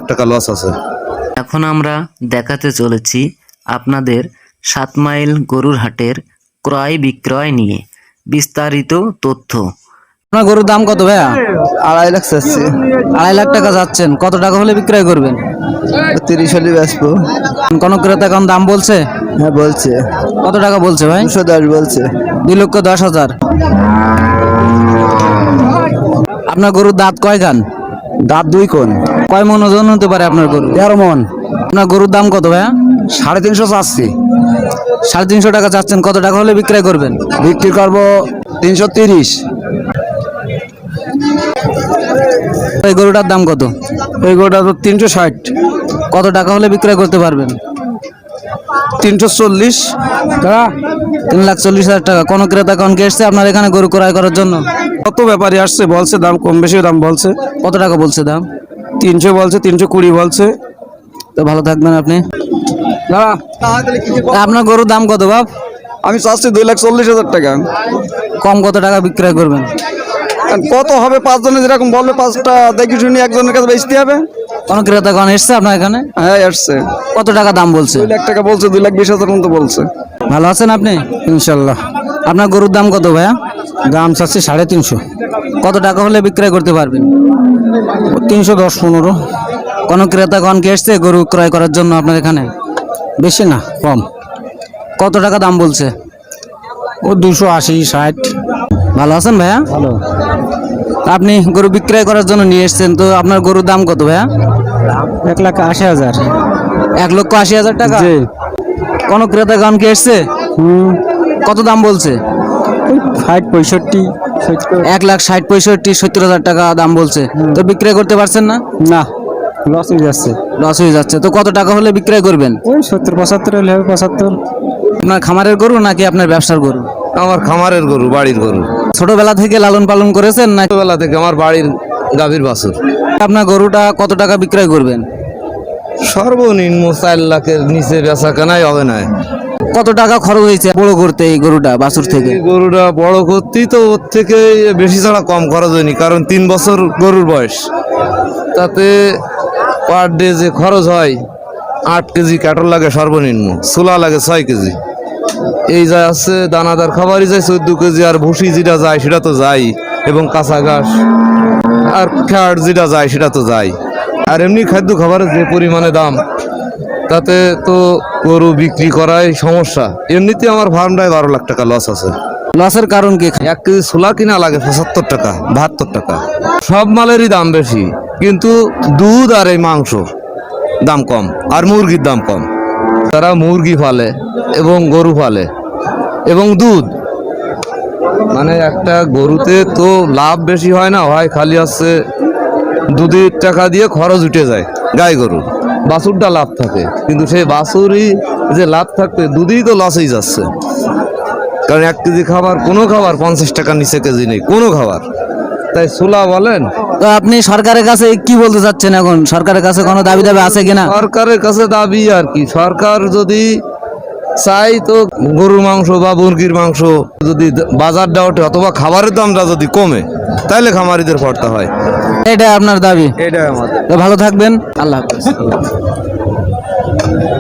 টাকা লস আছে। এখন আমরা দেখাতে চলেছি আপনাদের 7 মাইল গরুর হাটের ক্রয় বিক্রয় নিয়ে বিস্তারিত তথ্য। আপনার গরুর দাম কত ভাইয়া? 2.5 লাখ চাচ্ছি। 2.5 লাখ টাকা যাচ্ছেন, কত টাকা হলে বিক্রয় করবেন? 30 হলে বেচবো। কোন ক্রেতা এখন দাম বলছে? হ্যাঁ বলছে। কত টাকা বলছে ভাই? 210 বলছে। 2,10,000। আপনার গরুর দাঁত কয় গান? দাঁত 2 কোণ। কয় মন ওজন হতে পারে আপনার গরু? 13 মন। আপনার গরুর দাম কত ভাইয়া? 350 চাচ্ছি। 350 টাকা চাচ্ছেন, কত টাকা হলে বিক্রয় করবেন? বিক্রি করবো 330। এই গরুটার দাম কত? এই গোটা তো 360। কত টাকা হলে বিক্রয় করতে পারবেন? 340 টাকা। 3,40,000 টাকা। কোন ক্রেতা কোন এসছে আপনার এখানে গরু ক্রয় করার জন্য? কত ব্যাপারী আসছে, বলছে দাম কম বেশি দাম বলছে। কত টাকা বলছে দাম? 300 বলছে, 320 বলছে। তো ভালো থাকবেন আপনি। দাঁড়া। আপনার গরুর দাম কত বাপ? আমি চাচ্ছি 2,40,000 টাকা। কম কত টাকা বিক্রয় করবেন? কত হবে? 5 জনে যেরকম বলবে 5টা দেখি শুনি একজনের কাছে বেচতে হবে। কোন ক্রেতা কোন এসছে আপনার এখানে? হ্যাঁ আসছে। কত টাকা দাম বলছে? 2 লাখ টাকা বলছে, 2,20,000 মতো বলছে। ভালো আছেন আপনি? ইনশাল্লাহ। আপনার গরুর দাম কত ভাইয়া? দাম চাচ্ছি 350। কত টাকা হলে বিক্রয় করতে পারবেন? 310-15। কোন ক্রেতা কোন এসছে গরু ক্রয় করার জন্য আপনার এখানে? বেশি না, কম। কত টাকা দাম বলছে? ও 280, 60। ভালো আছেন ভাইয়া? ভালো। আপনি গরু বিক্রয় করার জন্য নিয়ে এসেছেন, তো আপনার গরুর দাম কত ভাইয়া? 1,80,000। 1,80,000 টাকা। কোন ক্রেতা কোন এসছে? কত দাম বলছে? 60, 65, 70। 1,60,000, 65,000, 70,000 টাকা দাম বলছে। তো বিক্রয় করতে পারছেন না? না, লস হয়ে যাচ্ছে। লস হয়ে যাচ্ছে। তো কত টাকা হলে বিক্রয় করবেন? ওই 70-75 হলে হবে। 75। আপনার খামারের গরু নাকি আপনার ব্যবসার গরু? আমার খামারের গরু, বাড়ির গরু। ছোটবেলা থেকে লালন পালন করেছেন না? ছোটবেলা থেকে আমার বাড়ির গাভীর বাছুর। আপনার গরুটা কত টাকা বিক্রয় করবেন? সর্বনিম্ন 4 লাখের নিচে বেচা কেনাই হবে না। কত টাকা খরচ হয়েছে বড় করতে এই গরুটা বাছুর থেকে? এই গরুটা বড় করতেই তো ওর থেকে বেশি ছাড়া কম খরচ হয়নি, কারণ 3 বছর গরুর বয়স। তাতে পার ডে যে খরচ হয় 8 কেজি কাটল লাগে সর্বনিম্ন, ছোলা লাগে 6 কেজি। এই যা আছে দানাদার খাবারই যায় 14 কেজি, আর ভুসি যেটা যায় সেটা তো যায়, এবং কাঁচা ঘাস আর খ্যাট যেটা যায় সেটা তো যায়। আর এমনি খাদ্য খাবারের যে পরিমাণে দাম, তাতে তো গরু বিক্রি করাই সমস্যা। এমনিতে আমার ফার্মটায় 12 লাখ টাকা লস আছে। লসের কারণ কি? 1 কেজি ছোলা কিনা লাগে 75 টাকা, 72 টাকা। সব মালেরই দাম বেশি, কিন্তু দুধ আর এই মাংস দাম কম, আর মুরগির দাম কম। তারা মুরগি পালে এবং গরু পালে এবং দুধ, মানে একটা গরুতে তো লাভ বেশি হয় না, হয় খালি আছে দুধের টাকা দিয়ে খরচ উঠে যায়। গাই গরু বাছুরটা লাভ থাকে, কিন্তু সেই বাছুরই যে লাভ থাকবে দুধই তো লসেই যাচ্ছে। কারণ 1 কেজি খাবার, কোনো খাবার 50 টাকার নিচে কেজি নেই, কোনো খাবার। তাই ছোলা বলেন। তো আপনি সরকারের কাছে কি বলতে চাচ্ছেন এখন? সরকারের কাছে কোনো দাবি আছে কিনা? সরকারের কাছে দাবি আর কি, সরকার যদি চাই তো গরুর মাংস বা মুরগির মাংস যদি বাজারটা ওঠে, অথবা খাবারের দামটা যদি কমে, তাহলে খামারিদের পড়তে হয়। এটা আপনার দাবি? এটাই আমাদের। তো ভালো থাকবেন, আল্লাহ হাফেজ।